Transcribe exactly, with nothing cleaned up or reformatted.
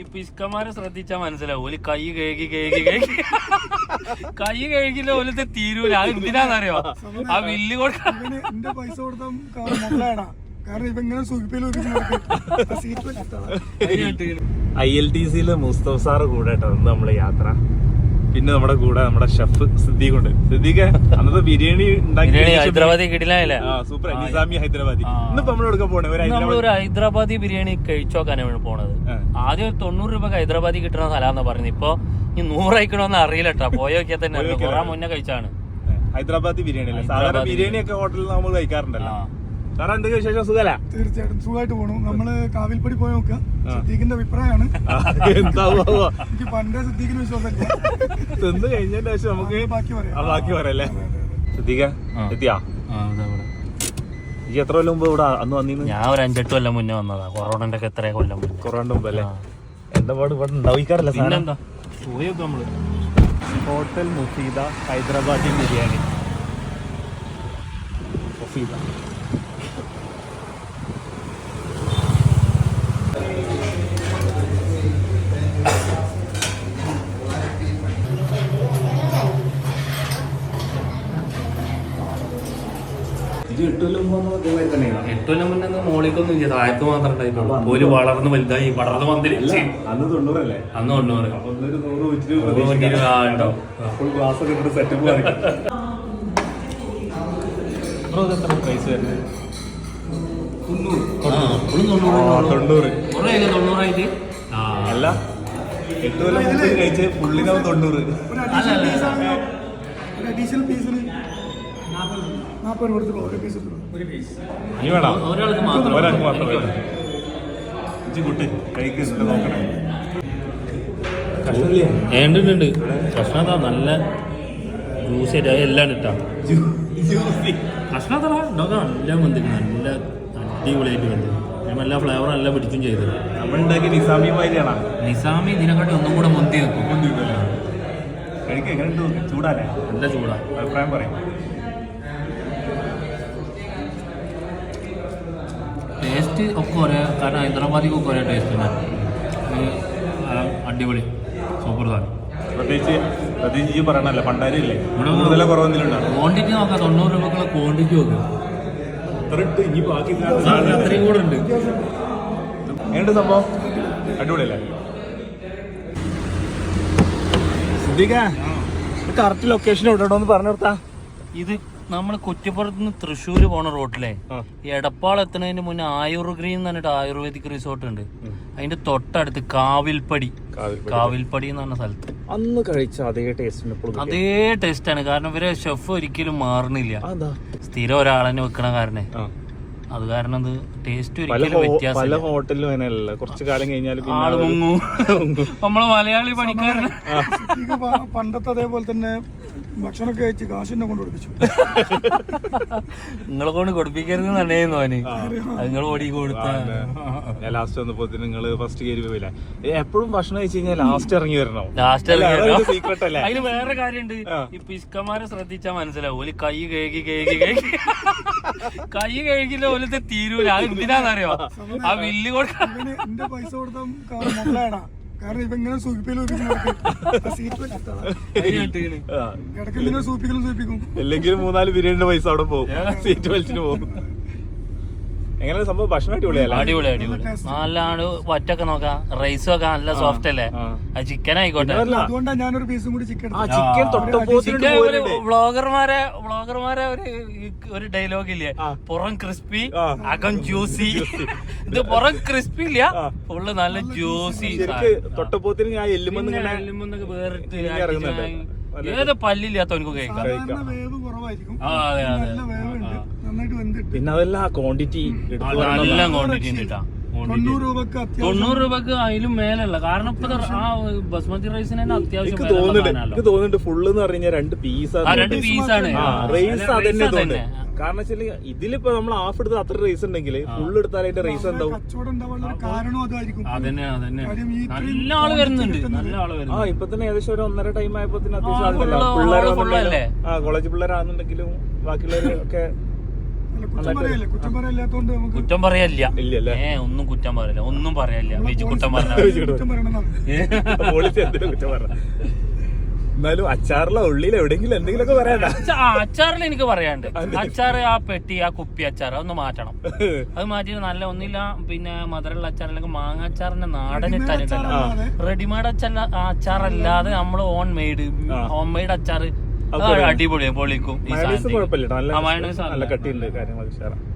പിസ്കന്മാരെ ശ്രദ്ധിച്ചാ മനസ്സിലാവും ഓല് കൈ കഴുകി കഴുകി കഴുകി കൈ കഴുകില്ല ഓലത്തെ തീരൂല. അത് എന്തിനാന്നറിയോ? ആ വില്ല് കൊടുക്കാൻ പൈസ കൊടുത്ത ഐ എൽ ടി സിയില് മുസ്തഫ സാറ് കൂടെ കേട്ടോ നമ്മളെ യാത്ര. പിന്നെ നമ്മുടെ കൂടെ നമ്മുടെ ഷെഫ് സിദ്ദീഖ് ഉണ്ട്. സിദ്ദീഖ് അന്നത്തെ ബിരിയാണി ഹൈദരാബാദി കിടിലല്ലേ? സൂപ്പർ നിസാമി ഹൈദരാബാദി. ഇന്നിപ്പോ നമ്മളെടുക്കാൻ പോണേ നമ്മളൊരു ഹൈദരാബാദി ബിരിയാണി കഴിച്ചോക്കാനാണ് പോണത്. ആദ്യം ഒരു തൊണ്ണൂറ് രൂപ ഹൈദരാബാദി കിട്ടുന്ന സ്ഥലമാണെന്ന് പറയുന്നത്. ഇപ്പൊ ഈ നൂറയിക്കണോന്ന് അറിയില്ല കേട്ടോ. പോയോക്കിയാൽ തന്നെ കുറെ മുന്നേ കഴിച്ചാണ് ഹൈദരാബാദി ബിരിയാണി അല്ലേ? സാധാരണ ബിരിയാണി ഒക്കെ ഹോട്ടലിൽ നമ്മൾ കഴിക്കാറുണ്ടല്ലോ. സാറേ എന്തൊക്കെ വിശേഷം? സുഖല? തീർച്ചയായിട്ടും സുഖമായിട്ട് പോണു. നമ്മള് കാവിൽപ്പടി പോയി നോക്കുക. സിദ്ദീഖിന്റെ അഭിപ്രായമാണ്. എനിക്ക് പണ്ടേ സിദ്ദീഖിന് വിശ്വാസമില്ല. തിന്ന് കഴിഞ്ഞതിന്റെ ശേഷം നമുക്ക് ബാക്കി പറയാം. ബാക്കി പറയല്ലേ? സിദ്ദീഖ എത്തിയാ? ഈ എത്ര കൊല്ലം മുമ്പ് ഇവിടെ അന്ന് വന്നിരുന്നു? ഞാൻ ഒരു അഞ്ചെട്ട് കൊല്ലം മുന്നേ വന്നതാ. കൊറോണന്റെ ഒക്കെ എത്ര കൊല്ലം മുന്നേ. കൊറോണ മുമ്പ് അല്ലേ? എന്താ പാട് ഇവിടെ ഉണ്ടാവിക്കാറില്ല? പിന്നെന്താ പോയൊക്കെ നമ്മള് ഹോട്ടൽ മുഫീദ ഹൈദരാബാദി ബിരിയാണി. മുഫീദ എട്ട് കൊല്ലം മുന്നേ മോളിക്കൊന്നും ഇല്ല, താഴത്ത് മാത്രം ഉണ്ടായിട്ടുള്ളൂ. പോലും വളർന്ന് വലുതായി വളർന്ന് വന്നില്ല. അന്ന് തൊണ്ണൂറല്ലേ? അന്ന് തൊണ്ണൂറ് തൊണ്ണൂറായിട്ട് അല്ല, എട്ട് കൊല്ലം മുമ്പ് കഴിച്ച് പുള്ളിനാവും തൊണ്ണൂറ്. അഡീഷണൽ പീസിന് നാൽപ്പത് രൂപ കൊടുത്തുള്ളൂ ഒരു പീസ്. ഇനി വേണം ഒരാൾക്ക് മാത്രം ഒരാൾക്ക് മാത്രം കുട്ടി കഴിക്കുന്നുണ്ട് നോക്കണേ. ഏണ്ടുണ്ട് കഷ്ണത നല്ല ജ്യൂസ് എല്ലാം ഇട്ടാ കഷ്ണത്തറ ഉണ്ടാക്കാൻ നല്ല വന്നിട്ട് നല്ല അടിപൊളിയായിട്ട് വന്നു. എല്ലാ ഫ്ലേവറും എല്ലാം പിടിച്ചും ചെയ്തു. നമ്മളുണ്ടാക്കി നിസാമി മാതിരിയാണ്. നിസാമി ഇതിനെക്കാട്ടി ഒന്നും കൂടെ മുന്തി വെക്കും. കഴിക്കുക എങ്ങനെ ചൂടാല്ലേ? നല്ല ചൂടാ. അഭിപ്രായം പറയും. ടേസ്റ്റ് ഒക്കെ ഒരേ, കാരണം ഹൈദരാബാദിക്കൊക്കെ ഒരേ ടേസ്റ്റ് തന്നെ. അടിപൊളി സൂപ്പർ സാധനം. പ്രത്യേകിച്ച് പ്രത്യേകിച്ച് പറയണല്ലോ പണ്ടാരില്ലേ കൂടുതൽ കുറവൊന്നുമില്ല. ക്വാണ്ടിറ്റി നോക്കാം, തൊണ്ണൂറ് രൂപക്കുള്ള ക്വാണ്ടിറ്റി നോക്കാം. ഇനി ബാക്കി അത്രയും കൂടെ ഉണ്ട്. എങ്ങനെയുണ്ട് സംഭവം? അടിപൊളിയല്ലേ? സിദ്ദീഖ കറക്റ്റ് ലൊക്കേഷൻ എവിടെ ഒന്ന് പറഞ്ഞു കൊടുത്താ. ഇത് നമ്മൾ കുറ്റിപ്പുറത്ത് നിന്ന് തൃശ്ശൂര് പോണ റോട്ടിലെ എടപ്പാൾ എത്തുന്നതിന് മുന്നേ ആയുർ ഗ്രീൻ എന്ന് പറഞ്ഞിട്ട് ആയുർവേദിക് റിസോർട്ട് ഉണ്ട്. അതിന്റെ തൊട്ടടുത്ത് കാവിൽപ്പടി കാവിൽപ്പടി എന്ന് പറഞ്ഞ സ്ഥലത്ത് അന്ന് കഴിച്ച അതേ ടേസ്റ്റ് അതേ ടേസ്റ്റ് ആണ്. കാരണം ഇവരെ ഷെഫ് ഒരിക്കലും മാറുന്നില്ല. സ്ഥിരം ഒരാളെന്നെ വെക്കണ കാരണേ അത് കാരണം അത് ടേസ്റ്റ് ഒരിക്കലും വ്യത്യാസം. ഹോട്ടലിലും അങ്ങനെയല്ല, കുറച്ചു കാലം കഴിഞ്ഞാൽ ആള് മുങ്ങും. നമ്മള് മലയാളി പണിക്കാരന് പണ്ടത്തെ അതേപോലെ തന്നെ ഭക്ഷണമൊക്കെ കഴിച്ച് കാശിനെ കൊണ്ട് കൊടുപ്പിച്ചു. നിങ്ങളെ കൊണ്ട് കൊടുപ്പിക്കരുത് തന്നെയായിരുന്നു അവന്. നിങ്ങൾ ഓടി കൊടുത്ത ലാസ്റ്റ് വന്നപ്പോ നിങ്ങള് ഫസ്റ്റ് കയറി പോയില്ല. എപ്പോഴും ഭക്ഷണം കഴിച്ചു കഴിഞ്ഞാൽ ലാസ്റ്റ് ഇറങ്ങി വരണോ? ലാസ്റ്റ് സീക്രട്ട് അല്ലേ? അതിന് വേറെ കാര്യമുണ്ട്. ഈ പിസ്കന്മാരെ ശ്രദ്ധിച്ചാൽ മനസ്സിലാവും ഓല് കൈ കഴുകി കഴുകി കഴുകി കൈ കഴുകില്ല ഓലത്തെ തീരൂല. അത് എന്തിനാന്നറിയോ? ആ വില്ല് കൊടുക്കാൻ എന്റെ പൈസ കൊടുത്ത കാരണം ഇപ്പൊ ഇങ്ങനെ അല്ലെങ്കിൽ മൂന്നാല് ബിരിയാണിന്റെ പൈസ അവിടെ പോകും, സീറ്റ് വലിച്ചിട്ട് പോകും. എങ്ങനെ സംഭവം? ഭക്ഷണം അടിപൊളിയല്ല? അടിപൊളി അടിപൊളി നല്ലാണ്. ഒറ്റൊക്കെ നോക്കാം, റൈസ് ഒക്കെ നല്ല സോഫ്റ്റ് അല്ലേ? അത് ചിക്കൻ ആയിക്കോട്ടെ. അതുകൊണ്ടാണ് ഞാനൊരു പീസും കൂടി ചിക്കൻ. വ്ളോഗർമാരെ വ്ളോഗർമാരെ ഒരു ഒരു ഡയലോഗ് ഇല്ലേ, പുറം ക്രിസ്പി അകം ജ്യൂസി. ഇത് പുറം ക്രിസ്പി ഇല്ല, ഫുള്ള് നല്ല ജ്യൂസി. തൊട്ടപ്പോത്തിന് ഞാൻ എല്ലുമെന്ന് എല്ലുമെന്നൊക്കെ വേറിട്ട് ഏത് പല്ലില്ലാത്തവനക്ക് കഴിക്കാം. അതെ അതെ. പിന്നെ അതല്ല ക്വാണ്ടിറ്റി നല്ല ക്വാണ്ടിറ്റി ഉണ്ട് കേട്ടാ. തൊണ്ണൂറ് രൂപക്ക് അതിലും മേലുള്ള. കാരണം ഇപ്പൊ ആ ബസ്മതി റൈസിന് തന്നെ അത്യാവശ്യം തോന്നുന്നുണ്ട്. ഫുള്ള് എന്ന് പറഞ്ഞാൽ രണ്ട് പീസാണ് രണ്ട് പീസാണ് റൈസ്. അതന്നെ തോന്നുന്നു. കാരണം വെച്ചാൽ ഇതിലിപ്പോ നമ്മൾ ഹാഫ് എടുത്ത് അത്ര റൈസ് ഉണ്ടെങ്കിൽ ഫുള്ള് എടുത്താൽ അതിന്റെ റൈസ് എന്താവും? അതന്നെ അതന്നെ നല്ല ആള് വരുന്നുണ്ട്. നല്ല ആള് വരുന്നു. ആ ഇപ്പൊ തന്നെ ഏകദേശം ഒരു ഒന്നര ടൈം ആയപ്പോ അത്യാവശ്യം ആളുണ്ടല്ലോ. പിള്ളേരെ ആ കോളേജ് പിള്ളേരാണെന്നുണ്ടെങ്കിലും ബാക്കിയുള്ളവരൊക്കെ അല്ല, കുറ്റം പറയല്ലേ കുറ്റം പറയില്ലാത്തോണ്ട് നമുക്ക് കുറ്റം പറയല്ല ഇല്ലല്ലേ ഏ ഒന്നും കുറ്റം പറയില്ല ഒന്നും പറയല്ല ബിജു കുറ്റം പറഞ്ഞ കുറ്റം പറയണമെന്നാണ്. പോളിസി എന്തിനും കുറ്റം പറഞ്ഞ. എന്നാലും അച്ചാറിലെ ഉള്ളിൽ എവിടെയെങ്കിലും എന്തെങ്കിലുമൊക്കെ പറയണ്ട. അച്ചാറിൽ എനിക്ക് പറയാണ്ട് അച്ചാറ് ആ പെട്ടി ആ കുപ്പി അച്ചാർ അതൊന്ന് മാറ്റണം. അത് മാറ്റിട്ട് നല്ല ഒന്നില്ല പിന്നെ മധുരമുള്ള അച്ചാർ അല്ലെങ്കിൽ മാങ്ങ അച്ചാറിന്റെ നാടൻ ഇട്ടാനിട്ടല്ല റെഡിമെയ്ഡ് അച്ചാർ അച്ചാറല്ലാതെ നമ്മൾ ഓൺ മെയ്ഡ് ഹോം മെയ്ഡ് അച്ചാർ അടിപൊളിയാണ് പൊളിക്കും. ഈ മയണൈസ് കുഴപ്പമില്ല, നല്ല മയണൈസ് നല്ല കട്ടിയുണ്ട് കാര്യങ്ങളൊക്കെ ഉഷാറാ.